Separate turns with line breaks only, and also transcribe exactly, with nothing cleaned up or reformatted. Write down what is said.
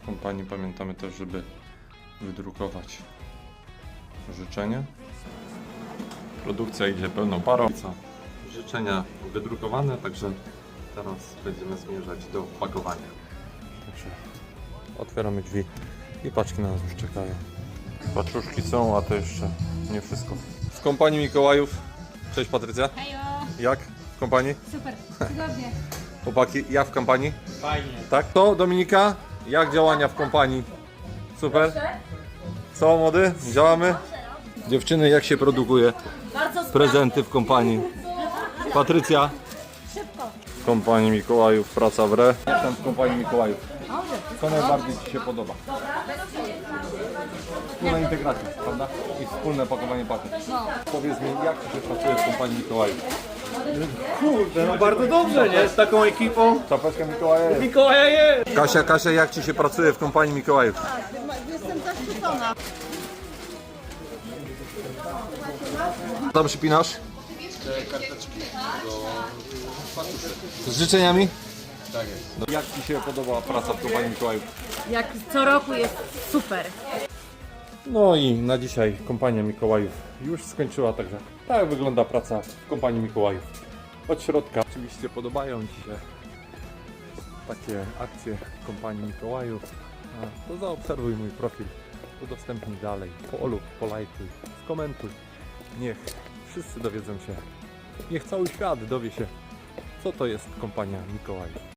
W kompanii pamiętamy też, żeby wydrukować życzenie. Produkcja idzie pełną parą. Życzenia wydrukowane, także teraz będziemy zmierzać do pakowania. Także otwieramy drzwi i paczki na nas już czekają. Paczuszki są, a to jeszcze nie wszystko. W kompanii Mikołajów. Cześć Patrycja.
Hejo!
Jak w kompanii?
Super, cudownie.
Chłopaki, ja w kompanii?
Fajnie.
Tak? To Dominika? Jak działania w kompanii? Super? Co młody? Działamy? Dziewczyny, jak się produkuje prezenty w kompanii? Patrycja?
Szybko.
W kompanii Mikołajów, praca w re. Jak tam w kompanii Mikołajów? Co najbardziej Ci się podoba? Wspólna integracja, prawda? I wspólne pakowanie paczek. Powiedz mi, jak Ci się pracuje w kompanii Mikołajów?
Kurde, no bardzo dobrze, nie? Z taką ekipą.
Czapeczka Mikołaja jest.
Mikołaja jest.
Kasia, Kasia, jak Ci się pracuje w kompanii Mikołajów?
Jestem zaszczycona.
Co tam przypinasz? Z życzeniami? Tak jest. Jak Ci się podoba praca w kompanii Mikołajów?
Jak co roku jest super.
No i na dzisiaj kompania Mikołajów już skończyła, także tak wygląda praca w kompanii Mikołajów. Od środka oczywiście podobają Ci się takie akcje kompanii Mikołajów, a to zaobserwuj mój profil, udostępnij dalej, polub, polajkuj, skomentuj. Niech wszyscy dowiedzą się, niech cały świat dowie się, co to jest kompania Mikołajów.